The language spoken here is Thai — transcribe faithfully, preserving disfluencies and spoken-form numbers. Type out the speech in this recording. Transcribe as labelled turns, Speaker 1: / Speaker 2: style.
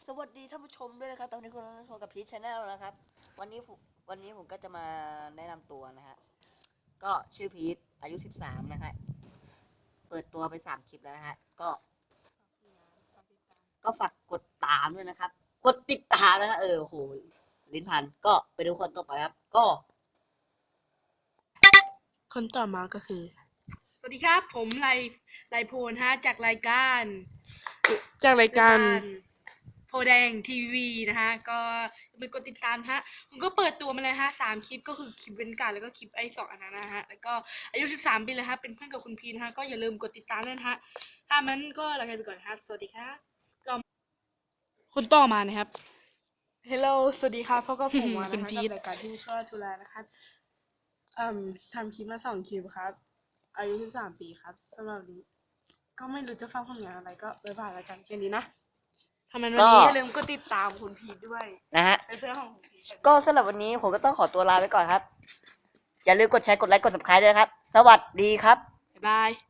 Speaker 1: วัสดีท่านผู้ชมด้วยนะครับตอนนี้คุณกำลังชมกับพีชชาแนลนะครับวันนี้ผมวันนี้ผมก็จะมาแนะนำตัวนะฮะก็ชื่อพีชอายุสิบสามนะฮะเปิดตัวไปสามคลิปแล้วนะฮะก็ก็ฝากกดตามด้วยนะครับกดติดตามนะฮะเออโหลิ้นพันก็ไปดูคนต่อไปครับก็
Speaker 2: คนต่อมาก็คือ สวัสดีครับ ผมไลไลโพนฮะจากรายการ จากรายการโพแดงทีวีนะฮะก็ไปกดติดตามฮะผมก็เปิดตัวมาเลยฮะสามคลิปก็คือคลิปเว้นการแล้วก็คลิปไอ้สองอันนั้นนะฮะแล้วก็อายุสิบสามปีเลยฮะเป็นเพื่อนกับคุณพีนะฮะก็อย่าลืมกดติดตามด้วยนะฮะถ้ามันก็ลาไปก่อนครับสวัสดีครับก็คนต่อมานะครับ
Speaker 3: Hello สวัสดีครับพบกับผมมา
Speaker 2: คุ
Speaker 3: นะ
Speaker 2: ณ
Speaker 3: คะ
Speaker 2: พี
Speaker 3: กับ
Speaker 2: ท
Speaker 3: รายการที่ช่วยทุลานะครับอืมทำคลิปมาสองคลิปครับ อายุสิบสามปีครับสำหรับวันนี้ก็ไม่รู้จะฟังผลงานอะไรก็บ๊ายบายแล้วกันแค่นี้นะ
Speaker 2: ทำไมวัน
Speaker 1: ก็
Speaker 2: นี้
Speaker 3: อย่าลืมกดติดตามคุณพีทด้วย
Speaker 1: นะฮะ
Speaker 3: เป็นเพื่อนของคุณพีท
Speaker 1: ก็สำหรับวันนี้ผมก็ต้องขอตัวลาไปก่อนครับอย่าลืมกดแชร์กดไลค์กด ซับสไครบ์ ด้วยครับสวัสดีครับ
Speaker 2: บ๊ายบาย